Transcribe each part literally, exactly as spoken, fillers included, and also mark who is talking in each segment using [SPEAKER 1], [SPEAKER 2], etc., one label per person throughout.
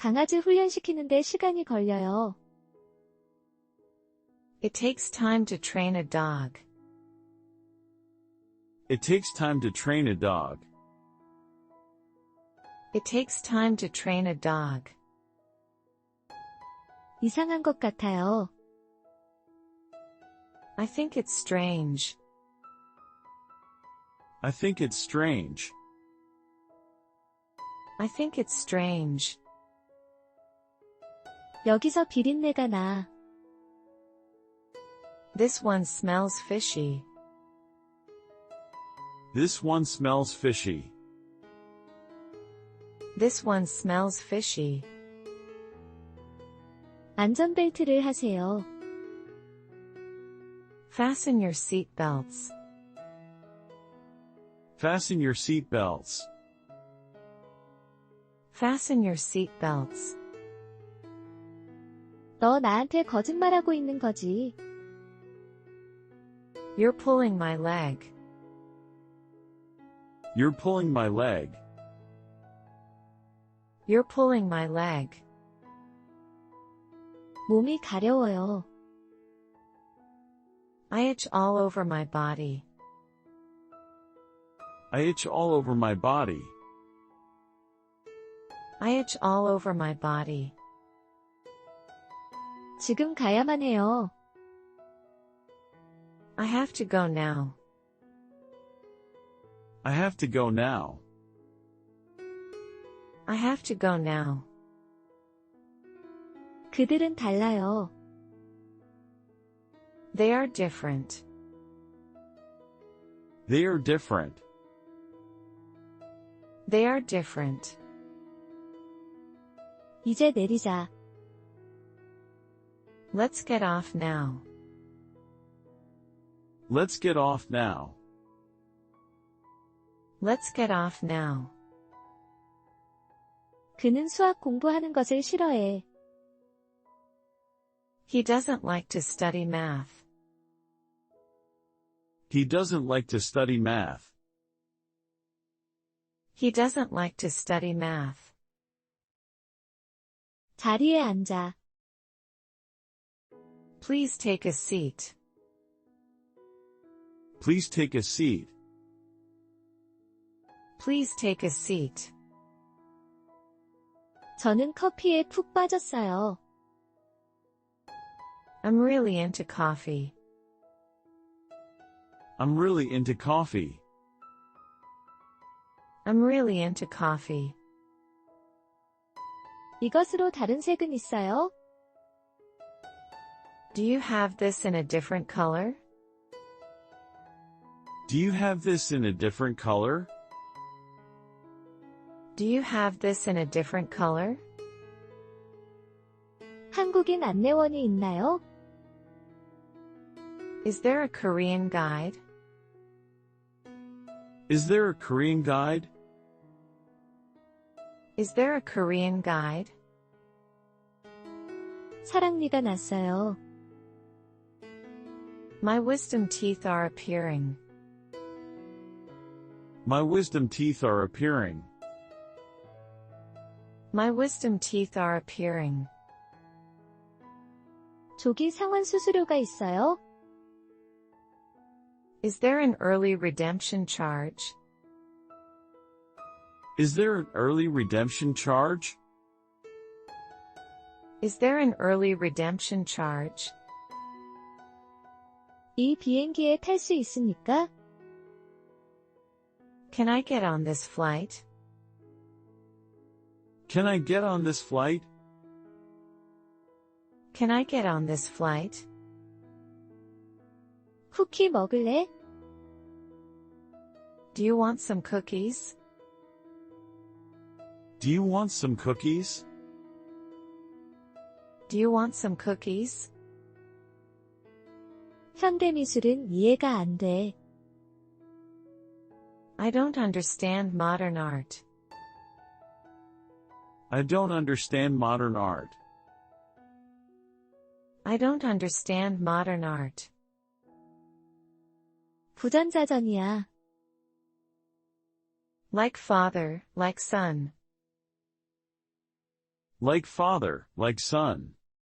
[SPEAKER 1] 강아지 훈련시키는데 시간이 걸려요.
[SPEAKER 2] It takes time to train a dog.
[SPEAKER 3] It takes time to train a dog.
[SPEAKER 2] It takes time to train a dog.
[SPEAKER 1] 이상한 것 같아요.
[SPEAKER 2] I think it's strange.
[SPEAKER 3] I think it's strange.
[SPEAKER 2] I think it's strange.
[SPEAKER 1] 여기서 비린내가 나.
[SPEAKER 2] This one smells fishy.
[SPEAKER 3] This one smells fishy.
[SPEAKER 2] This one smells fishy.
[SPEAKER 1] 안전벨트를 하세요.
[SPEAKER 2] Fasten your seat belts.
[SPEAKER 3] Fasten your seat belts.
[SPEAKER 2] Fasten your seat belts.
[SPEAKER 1] 너 나한테 거짓말하고 있는 거지.
[SPEAKER 2] You're pulling my leg.
[SPEAKER 3] You're pulling my leg.
[SPEAKER 2] You're pulling my leg.
[SPEAKER 1] 몸이 가려워요.
[SPEAKER 2] I itch all over my body.
[SPEAKER 3] I itch all over my body.
[SPEAKER 2] I itch all over my body.
[SPEAKER 1] 지금 가야만 해요.
[SPEAKER 2] I have to go now.
[SPEAKER 3] I have to go now.
[SPEAKER 2] I have to go now.
[SPEAKER 1] 그들은 달라요.
[SPEAKER 2] They are different.
[SPEAKER 3] They are different.
[SPEAKER 2] They are different.
[SPEAKER 1] 이제 내리자.
[SPEAKER 2] Let's get off now.
[SPEAKER 3] Let's get off now.
[SPEAKER 2] Let's get off now.
[SPEAKER 1] 그는 수학 공부하는 것을 싫어해.
[SPEAKER 2] He doesn't like to study math.
[SPEAKER 3] He doesn't like to study math.
[SPEAKER 2] He doesn't like to study math.
[SPEAKER 1] 자리에 앉아.
[SPEAKER 2] Please take a seat.
[SPEAKER 3] Please take a seat.
[SPEAKER 2] Please take a seat.
[SPEAKER 1] 저는 커피에 푹 빠졌어요.
[SPEAKER 2] I'm really into coffee.
[SPEAKER 3] I'm really into coffee.
[SPEAKER 2] I'm really into coffee.
[SPEAKER 1] 이것으로 다른 색은 있어요?
[SPEAKER 2] Do you have this in a different color?
[SPEAKER 3] Do you have this in a different color?
[SPEAKER 2] Do you have this in a different color?
[SPEAKER 1] 한국인 안내원이 있나요?
[SPEAKER 2] Is there a Korean guide?
[SPEAKER 3] Is there a Korean guide?
[SPEAKER 2] Is there a Korean guide?
[SPEAKER 1] 사랑니가 났어요.
[SPEAKER 2] My wisdom teeth are appearing.
[SPEAKER 3] My wisdom teeth are appearing.
[SPEAKER 2] My wisdom teeth are appearing.
[SPEAKER 1] 조기 상환 수수료가 있어요?
[SPEAKER 2] Is there an early redemption charge?
[SPEAKER 3] Is there an early redemption charge?
[SPEAKER 2] Is there an early redemption charge?
[SPEAKER 1] 이 비행기에 탈 수 있습니까?
[SPEAKER 2] Can I get on this flight?
[SPEAKER 3] Can I get on this flight?
[SPEAKER 2] Can I get on this flight?
[SPEAKER 1] 쿠키 먹을래?
[SPEAKER 2] Do you want some cookies?
[SPEAKER 3] Do you want some cookies?
[SPEAKER 2] Do you want some cookies?
[SPEAKER 1] 현대미술은 이해가 안 돼.
[SPEAKER 2] I don't understand modern art.
[SPEAKER 3] I don't understand modern art.
[SPEAKER 2] I don't understand modern art.
[SPEAKER 1] 부전자전이야.
[SPEAKER 2] Like father, like son.
[SPEAKER 3] Like father, like son.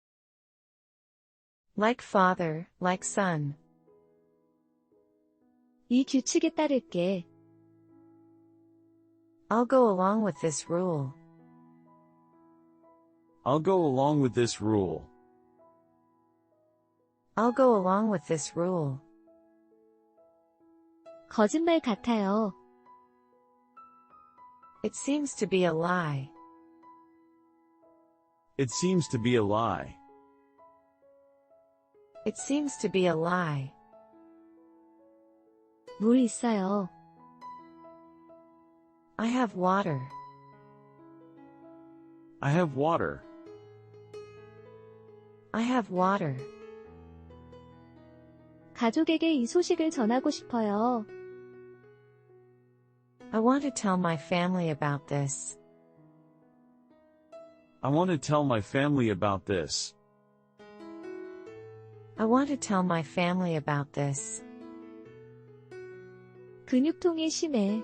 [SPEAKER 2] Like father, like son.
[SPEAKER 1] 이 규칙에 따를게.
[SPEAKER 2] I'll go along with this rule.
[SPEAKER 3] I'll go along with this rule.
[SPEAKER 2] I'll go along with this rule.
[SPEAKER 1] 거짓말 같아요.
[SPEAKER 2] It seems to be a lie.
[SPEAKER 3] It seems to be a lie.
[SPEAKER 2] It seems to be a lie.
[SPEAKER 1] 물 있어요.
[SPEAKER 2] I have water.
[SPEAKER 3] I have water.
[SPEAKER 2] I have water.
[SPEAKER 1] 가족에게 이 소식을 전하고 싶어요.
[SPEAKER 2] I want to tell my family about this.
[SPEAKER 3] I want to tell my family about this.
[SPEAKER 2] I want to tell my family about this.
[SPEAKER 1] 근육통이 심해.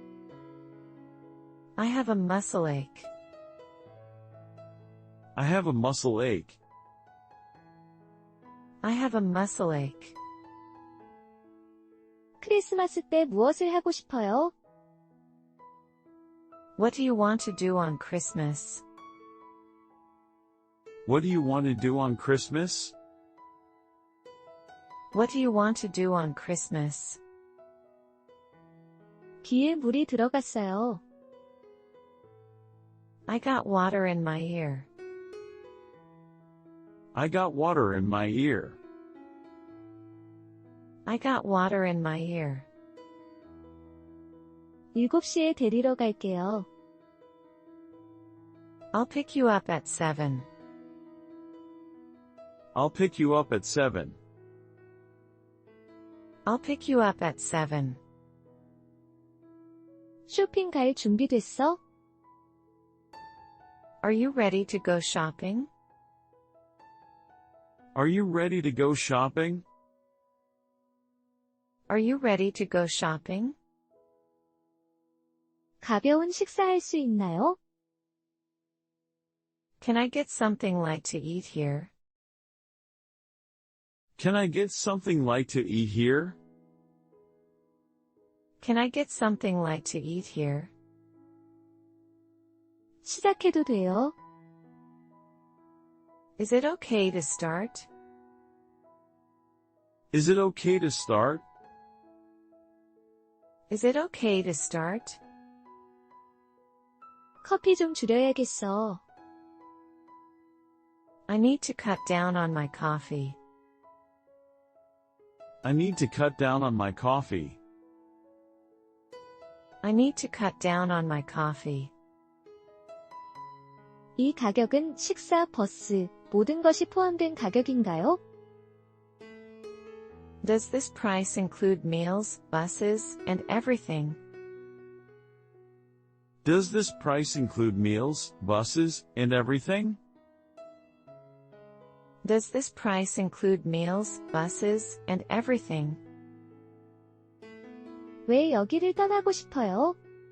[SPEAKER 2] I have a muscle ache.
[SPEAKER 3] I have a muscle ache.
[SPEAKER 2] I have a muscle ache.
[SPEAKER 1] 크리스마스 때 무엇을 하고 싶어요?
[SPEAKER 2] What do you want to do on Christmas?
[SPEAKER 3] What do you want to do on Christmas?
[SPEAKER 2] What do you want to do on Christmas?
[SPEAKER 1] 귀에 물이 들어갔어요.
[SPEAKER 2] I got water in my ear.
[SPEAKER 3] I got water in my ear.
[SPEAKER 2] I got water in my ear.
[SPEAKER 1] 일곱 시에 데리러 갈게요.
[SPEAKER 2] I'll pick you up at seven.
[SPEAKER 3] I'll pick you up at seven.
[SPEAKER 2] I'll pick you up at seven.
[SPEAKER 1] 쇼핑 갈 준비됐어?
[SPEAKER 2] Are you ready to go shopping?
[SPEAKER 3] Are you ready to go shopping?
[SPEAKER 2] Are you ready to go shopping?
[SPEAKER 1] 가벼운 식사할 수 있나요?
[SPEAKER 2] Can I get something light to eat here?
[SPEAKER 3] Can I get something light to eat here?
[SPEAKER 2] Can I get something light to eat here?
[SPEAKER 1] 시작해도 돼요?
[SPEAKER 2] Is it okay to start?
[SPEAKER 3] Is it okay to start?
[SPEAKER 2] Is it okay to start?
[SPEAKER 1] 커피 좀 줄여야겠어.
[SPEAKER 2] I need to cut down on my coffee.
[SPEAKER 3] I need to cut down on my coffee.
[SPEAKER 2] I need to cut down on my coffee.
[SPEAKER 1] 이 가격은 식사, 버스, 모든 것이 포함된 가격인가요?
[SPEAKER 2] Does this price include meals, buses, and everything?
[SPEAKER 3] Does this price include meals, buses, and everything?
[SPEAKER 2] Does this price include meals, buses, and everything?
[SPEAKER 1] 왜 여기를 떠나고 싶어요?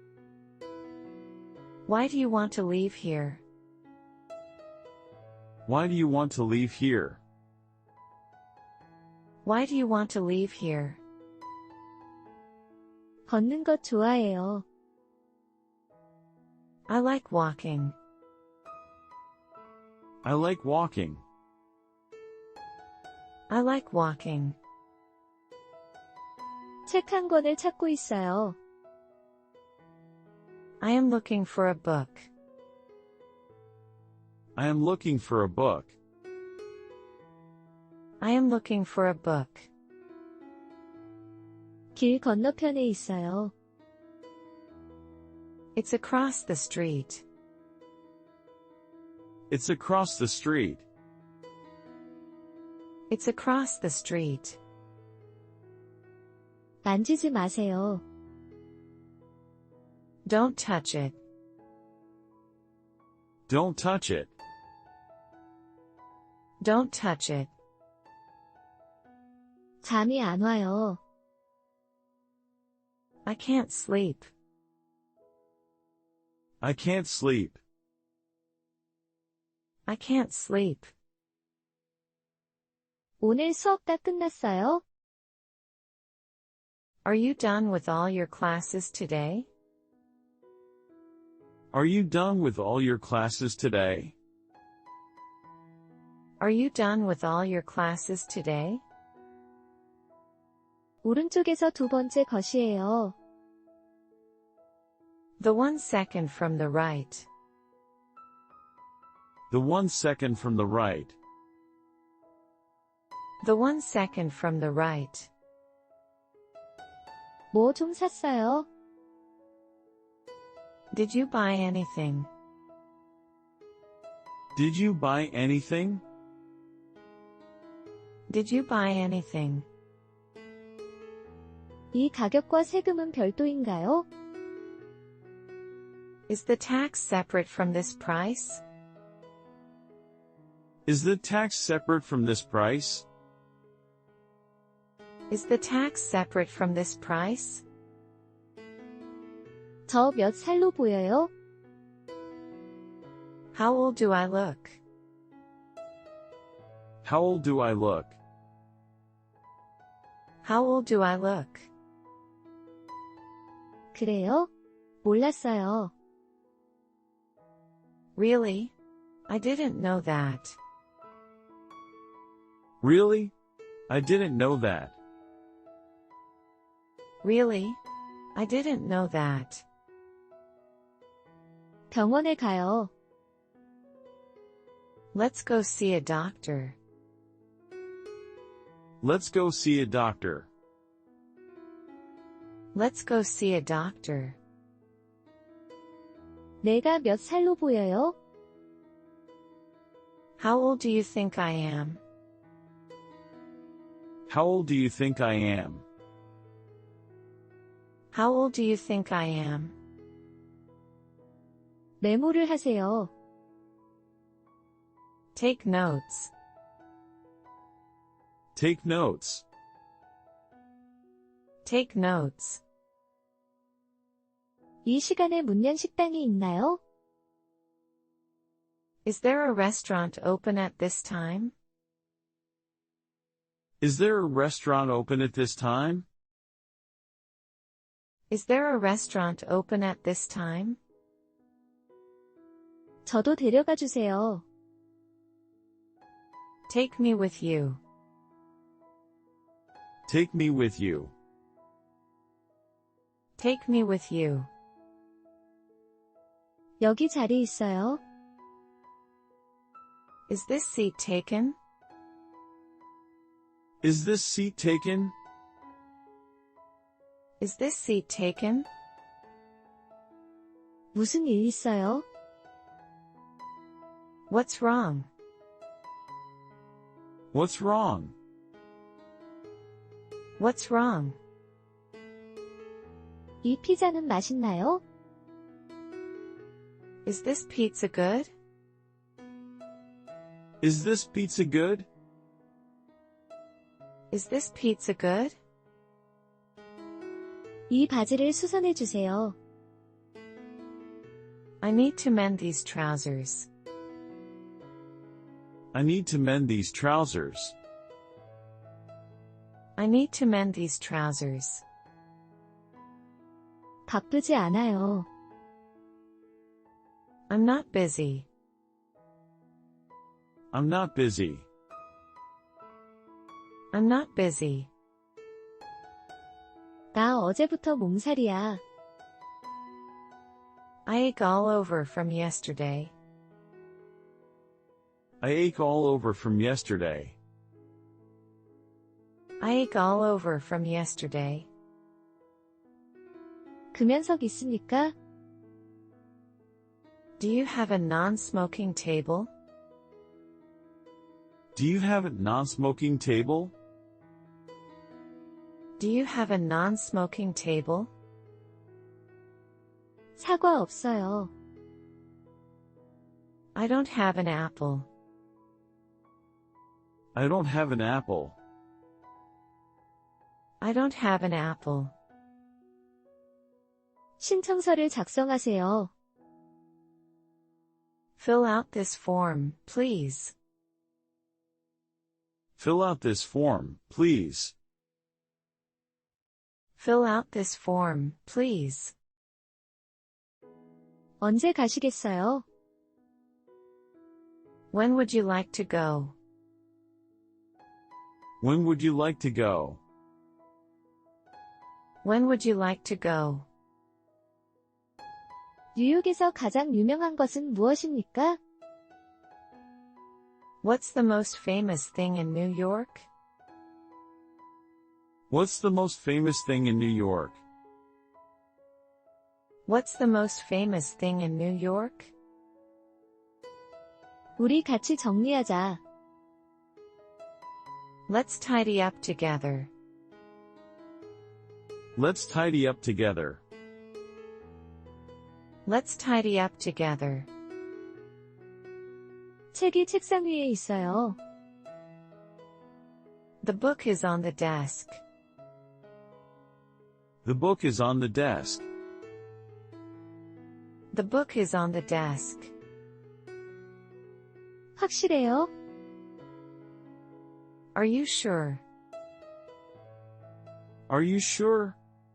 [SPEAKER 2] Why do you want to leave here?
[SPEAKER 3] Why do you want to leave here?
[SPEAKER 2] Why do you want to leave here?
[SPEAKER 1] 걷는 것 좋아해요.
[SPEAKER 2] I like walking.
[SPEAKER 3] I like walking.
[SPEAKER 2] I like walking.
[SPEAKER 1] 책 한 권을 찾고 있어요.
[SPEAKER 2] I am looking for a book.
[SPEAKER 3] I am looking for a book.
[SPEAKER 2] I am looking for a book.
[SPEAKER 1] 길 건너편에 있어요.
[SPEAKER 2] It's across the street.
[SPEAKER 3] It's across the street.
[SPEAKER 2] It's across the street.
[SPEAKER 1] 만지지 마세요.
[SPEAKER 2] Don't touch it.
[SPEAKER 3] Don't touch it.
[SPEAKER 2] Don't touch it.
[SPEAKER 1] 잠이 안 와요.
[SPEAKER 2] I can't sleep.
[SPEAKER 3] I can't sleep.
[SPEAKER 2] I can't sleep.
[SPEAKER 1] 오늘 수업 다 끝났어요?
[SPEAKER 2] Are you done with all your classes today?
[SPEAKER 3] Are you done with all your classes today?
[SPEAKER 2] Are you done with all your classes today?
[SPEAKER 1] 오른쪽에서 두 번째 것이에요.
[SPEAKER 2] The one second from the right.
[SPEAKER 3] The one second from the right.
[SPEAKER 2] The one second from the right.
[SPEAKER 1] 뭐 좀 샀어요?
[SPEAKER 2] Did you buy anything?
[SPEAKER 3] Did you buy anything?
[SPEAKER 2] Did you buy anything?
[SPEAKER 1] 이 가격과 세금은 별도인가요?
[SPEAKER 2] Is the tax separate from this price?
[SPEAKER 3] Is the tax separate from this price?
[SPEAKER 2] Is the tax separate from this price?
[SPEAKER 1] 저 몇 살로 보여요?
[SPEAKER 2] How old do I look?
[SPEAKER 3] How old do I look?
[SPEAKER 2] How old do I look?
[SPEAKER 1] 그래요? 몰랐어요.
[SPEAKER 2] Really? I didn't know that.
[SPEAKER 3] Really? I didn't know that.
[SPEAKER 2] Really? I didn't know that.
[SPEAKER 1] 병원에 가요.
[SPEAKER 2] Let's go see a doctor.
[SPEAKER 3] Let's go see a doctor.
[SPEAKER 2] Let's go see a doctor.
[SPEAKER 1] 내가 몇 살로 보여요?
[SPEAKER 2] How old do you think I am?
[SPEAKER 3] How old do you think I am?
[SPEAKER 2] How old do you think I am?
[SPEAKER 1] 메모를 하세요.
[SPEAKER 2] Take notes.
[SPEAKER 3] Take notes.
[SPEAKER 2] Take notes.
[SPEAKER 1] 이 시간에 문양 식당이 있나요?
[SPEAKER 2] Is there a restaurant open at this time?
[SPEAKER 3] Is there a restaurant open at this time?
[SPEAKER 2] Is there a restaurant open at this time?
[SPEAKER 1] 저도 데려가 주세요.
[SPEAKER 2] Take me with you.
[SPEAKER 3] Take me with you.
[SPEAKER 2] Take me with you.
[SPEAKER 1] 여기 자리 있어요?
[SPEAKER 2] Is this seat taken?
[SPEAKER 3] Is this seat taken?
[SPEAKER 2] Is this seat taken?
[SPEAKER 1] 무슨 일 있어요?
[SPEAKER 2] What's wrong?
[SPEAKER 3] What's wrong?
[SPEAKER 2] What's wrong?
[SPEAKER 1] 이 피자는 맛있나요?
[SPEAKER 2] Is this pizza good?
[SPEAKER 3] Is this pizza good?
[SPEAKER 2] Is this pizza good?
[SPEAKER 1] 이 바지를 수선해 주세요.
[SPEAKER 2] I need to mend these trousers.
[SPEAKER 3] I need to mend these trousers.
[SPEAKER 2] I need to mend these trousers.
[SPEAKER 1] 바쁘지 않아요.
[SPEAKER 2] I'm not busy.
[SPEAKER 3] I'm not busy.
[SPEAKER 2] I'm not busy.
[SPEAKER 1] 나 어제부터 몸살이야.
[SPEAKER 2] I ache all over from yesterday.
[SPEAKER 3] I ache all over from yesterday.
[SPEAKER 2] I ache all over from yesterday.
[SPEAKER 1] 금연석 있습니까?
[SPEAKER 2] Do you have a non-smoking table?
[SPEAKER 3] Do you have a non-smoking table?
[SPEAKER 2] Do you have a non-smoking table?
[SPEAKER 1] 사과 없어요.
[SPEAKER 2] I don't have an apple.
[SPEAKER 3] I don't have an apple.
[SPEAKER 2] I don't have an apple.
[SPEAKER 1] 신청서를 작성하세요.
[SPEAKER 2] Fill out this form, please.
[SPEAKER 3] Fill out this form, please.
[SPEAKER 2] Fill out this form, please.
[SPEAKER 1] 언제 가시겠어요?
[SPEAKER 2] When would you like to go?
[SPEAKER 3] When would you like to go?
[SPEAKER 2] When would you like to go?
[SPEAKER 1] 뉴욕에서 가장 유명한 것은 무엇입니까?
[SPEAKER 2] What's the most famous thing in New York?
[SPEAKER 3] What's the most famous thing in New York?
[SPEAKER 2] What's the most famous thing in New York?
[SPEAKER 1] 우리 같이 정리하자.
[SPEAKER 2] Let's tidy up together.
[SPEAKER 3] Let's tidy up together.
[SPEAKER 2] Let's tidy up together.
[SPEAKER 1] 책이 책상 위에 있어요.
[SPEAKER 2] The book is on the desk.
[SPEAKER 3] The book is on the desk.
[SPEAKER 2] The book is on the desk.
[SPEAKER 1] 확실해요?
[SPEAKER 2] Are you sure?
[SPEAKER 3] Are you sure?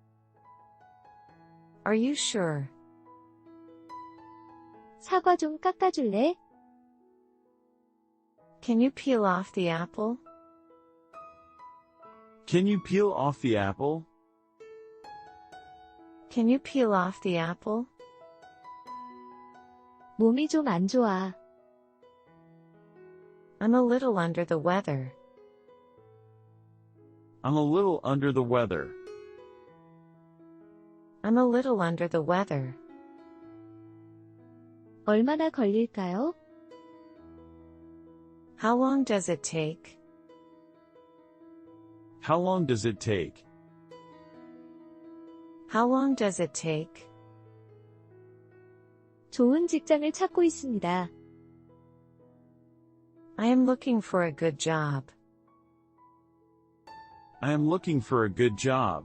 [SPEAKER 2] Are you sure?
[SPEAKER 1] 사과 좀 깎아줄래?
[SPEAKER 2] Can you peel off the apple?
[SPEAKER 3] Can you peel off the apple?
[SPEAKER 2] Can you peel off the apple?
[SPEAKER 1] 몸이 좀 안 좋아.
[SPEAKER 2] I'm a little under the weather.
[SPEAKER 3] I'm a little under the weather.
[SPEAKER 2] I'm a little under the weather.
[SPEAKER 1] 얼마나 걸릴까요?
[SPEAKER 2] How long does it take?
[SPEAKER 3] How long does it take?
[SPEAKER 2] How long does it take?
[SPEAKER 1] 좋은 직장을 찾고 있습니다.
[SPEAKER 2] I am looking for a good job.
[SPEAKER 3] I am looking for a good job.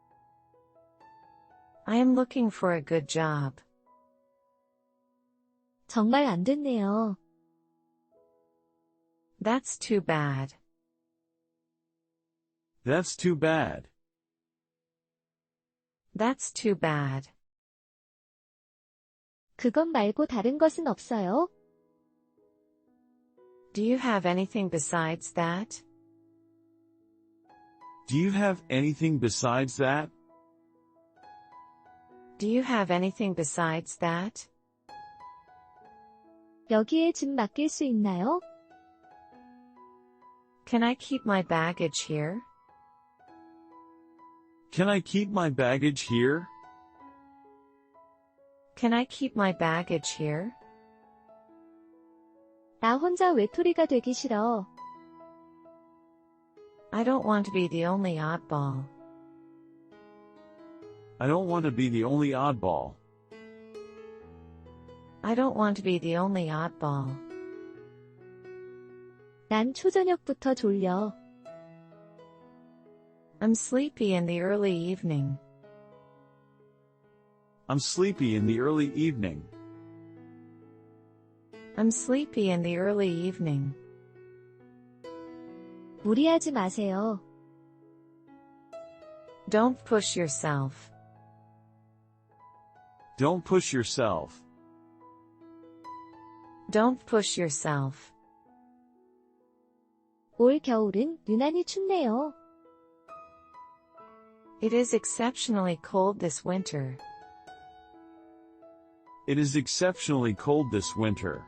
[SPEAKER 2] I am looking for a good job.
[SPEAKER 1] 정말 안 됐네요.
[SPEAKER 2] That's too bad.
[SPEAKER 3] That's too bad.
[SPEAKER 2] That's too bad.
[SPEAKER 1] 그것 말고 다른 것은 없어요?
[SPEAKER 2] Do you have anything besides that?
[SPEAKER 3] Do you have anything besides that?
[SPEAKER 2] Do you have anything besides that?
[SPEAKER 1] 여기에 짐 맡길 수 있나요?
[SPEAKER 2] Can I keep my baggage here?
[SPEAKER 3] Can I keep my baggage here?
[SPEAKER 2] Can I keep my baggage here?
[SPEAKER 1] 나 혼자 외톨이가 되기 싫어.
[SPEAKER 2] I don't want to be the only oddball.
[SPEAKER 3] I don't want to be the only oddball.
[SPEAKER 2] I don't want to be the only oddball.
[SPEAKER 1] 난 초저녁부터 졸려.
[SPEAKER 2] I'm sleepy in the early evening.
[SPEAKER 3] I'm sleepy in the early evening.
[SPEAKER 2] I'm sleepy in the early evening.
[SPEAKER 1] 무리하지 마세요.
[SPEAKER 2] Don't push yourself.
[SPEAKER 3] Don't push yourself.
[SPEAKER 2] Don't push yourself.
[SPEAKER 1] 올 겨울은 유난히 춥네요.
[SPEAKER 2] It is exceptionally cold this winter.
[SPEAKER 3] It is exceptionally cold this winter.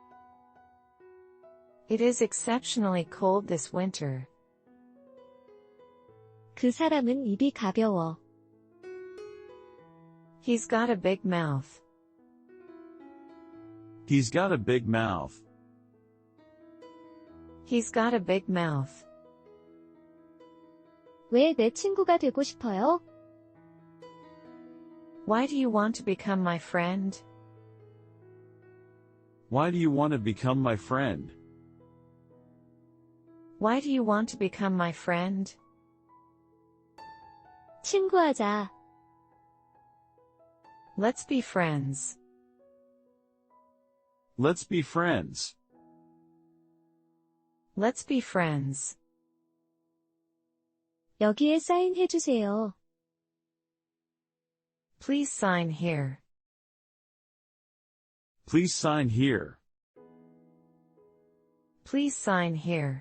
[SPEAKER 2] It is exceptionally cold this winter.
[SPEAKER 1] 그 사람은 입이 가벼워.
[SPEAKER 2] He's got a big mouth.
[SPEAKER 3] He's got a big mouth.
[SPEAKER 2] He's got a big mouth.
[SPEAKER 1] 왜 내 친구가 되고 싶어요?
[SPEAKER 2] Why do you want to become my friend?
[SPEAKER 3] Why do you want to become my friend?
[SPEAKER 2] Why do you want to become my friend?
[SPEAKER 1] 친구하자.
[SPEAKER 2] Let's be friends.
[SPEAKER 3] Let's be friends.
[SPEAKER 2] Let's be friends.
[SPEAKER 1] 여기에 사인해 주세요.
[SPEAKER 2] Please sign here.
[SPEAKER 3] Please sign here.
[SPEAKER 2] Please sign here.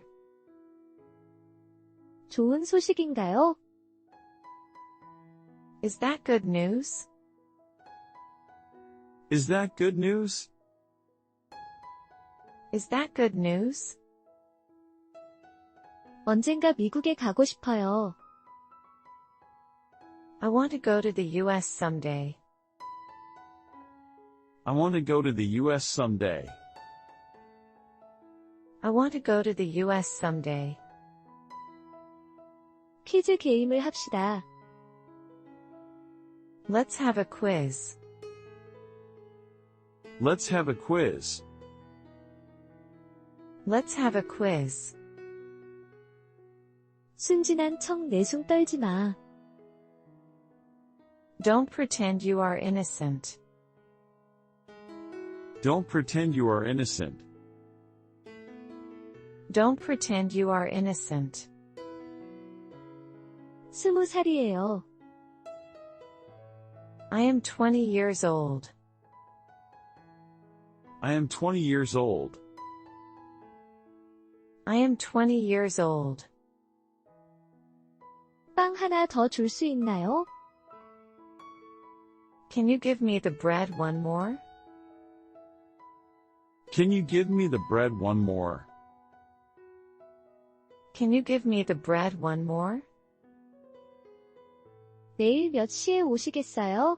[SPEAKER 1] 좋은 소식인가요?
[SPEAKER 2] Is that good news?
[SPEAKER 3] Is that good news?
[SPEAKER 2] Is that good news?
[SPEAKER 1] 언젠가 미국에 가고 싶어요.
[SPEAKER 2] I want to go to the U S someday.
[SPEAKER 3] I want to go to the U S someday.
[SPEAKER 2] I want to go to the U S someday.
[SPEAKER 1] 퀴즈 게임을 합시다.
[SPEAKER 2] Let's have a quiz.
[SPEAKER 3] Let's have a quiz.
[SPEAKER 2] Let's have a quiz.
[SPEAKER 1] 순진한 척 내숭 떨지 마.
[SPEAKER 2] Don't pretend you are innocent.
[SPEAKER 3] Don't pretend you are innocent.
[SPEAKER 2] Don't pretend you are innocent.
[SPEAKER 1] 스무 살이에요.
[SPEAKER 2] I am twenty years old.
[SPEAKER 3] I am twenty years old.
[SPEAKER 2] I am twenty years old.
[SPEAKER 1] 빵 하나 더 줄 수 있나요?
[SPEAKER 2] Can you give me the bread one more?
[SPEAKER 3] Can you give me the bread one more?
[SPEAKER 2] Can you give me the bread one more?
[SPEAKER 1] 내일 몇 시에 오시겠어요?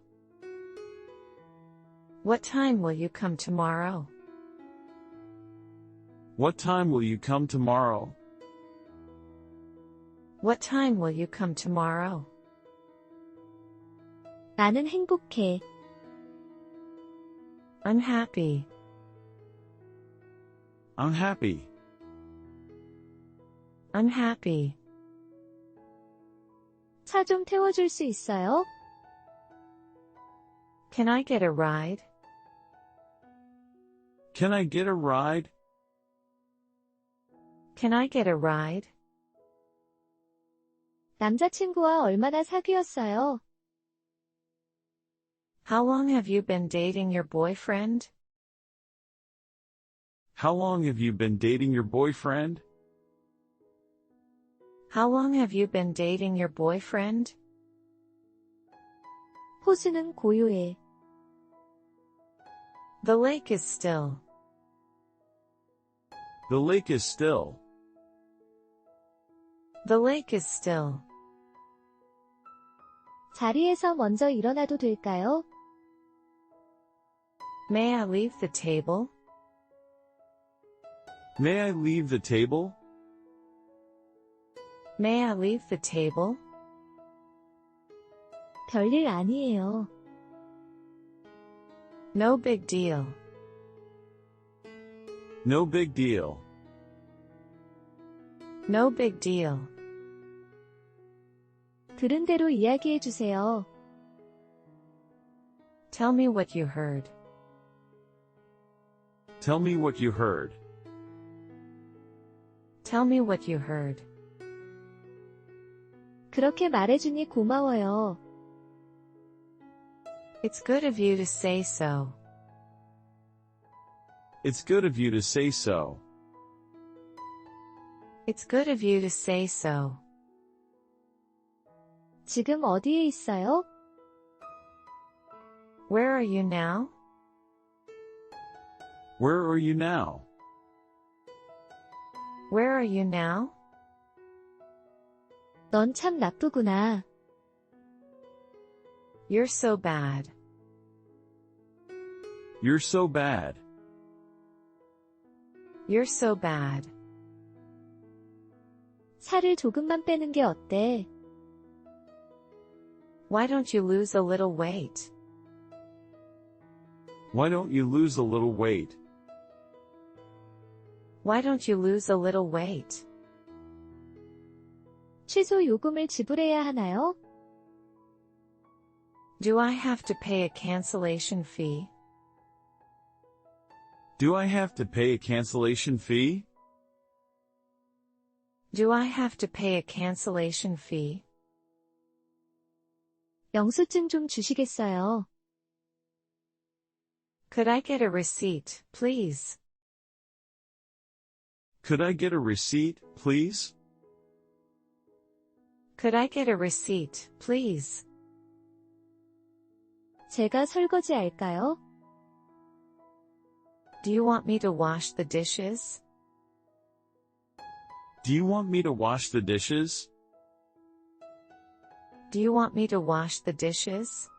[SPEAKER 2] What time will you come tomorrow?
[SPEAKER 3] What time will you come tomorrow?
[SPEAKER 2] What time will you come tomorrow?
[SPEAKER 1] 나는 행복해.
[SPEAKER 2] I'm happy.
[SPEAKER 3] I'm happy.
[SPEAKER 2] I'm happy.
[SPEAKER 1] 차 좀 태워줄 수 있어요?
[SPEAKER 2] Can I get a ride?
[SPEAKER 3] Can I get a ride?
[SPEAKER 2] Can I get a ride?
[SPEAKER 1] 남자친구와 얼마나 사귀었어요?
[SPEAKER 2] How long have you been dating your boyfriend?
[SPEAKER 3] How long have you been dating your boyfriend?
[SPEAKER 2] How long have you been dating your boyfriend?
[SPEAKER 1] 호수는 고요해.
[SPEAKER 2] The lake is still.
[SPEAKER 3] The lake is still.
[SPEAKER 2] The lake is still.
[SPEAKER 1] 자리에서 먼저 일어나도 될까요?
[SPEAKER 2] May I leave the table?
[SPEAKER 3] May I leave the table?
[SPEAKER 2] May I leave the table?
[SPEAKER 1] 별일 아니에요.
[SPEAKER 2] No big deal.
[SPEAKER 3] No big deal.
[SPEAKER 2] No big deal.
[SPEAKER 1] 들은 대로 이야기해 주세요.
[SPEAKER 2] Tell me what you heard.
[SPEAKER 3] Tell me what you heard.
[SPEAKER 2] Tell me what you heard.
[SPEAKER 1] 그렇게 말해주니 고마워요.
[SPEAKER 2] It's good of you to say so.
[SPEAKER 3] It's good of you to say so.
[SPEAKER 2] It's good of you to say so.
[SPEAKER 1] 지금 어디에 있어요?
[SPEAKER 2] Where are you now?
[SPEAKER 3] Where are you now?
[SPEAKER 2] Where are you now?
[SPEAKER 1] 넌 참 나쁘구나.
[SPEAKER 2] You're so bad.
[SPEAKER 3] You're so bad.
[SPEAKER 2] You're so bad.
[SPEAKER 1] 살을 조금만 빼는 게 어때?
[SPEAKER 2] Why don't you lose a little weight?
[SPEAKER 3] Why don't you lose a little weight?
[SPEAKER 2] Why don't you lose a little weight?
[SPEAKER 1] 취소 요금을 지불해야 하나요?
[SPEAKER 2] Do I have to pay a cancellation fee?
[SPEAKER 3] Do I have to pay a cancellation fee?
[SPEAKER 2] Do I have to pay a cancellation fee?
[SPEAKER 1] 영수증 좀 주시겠어요?
[SPEAKER 2] Could I get a receipt, please?
[SPEAKER 3] Could I get a receipt, please?
[SPEAKER 2] Could I get a receipt, please?
[SPEAKER 1] 제가 설거지할까요?
[SPEAKER 2] Do you want me to wash the dishes?
[SPEAKER 3] Do you want me to wash the dishes?
[SPEAKER 2] Do you want me to wash the dishes?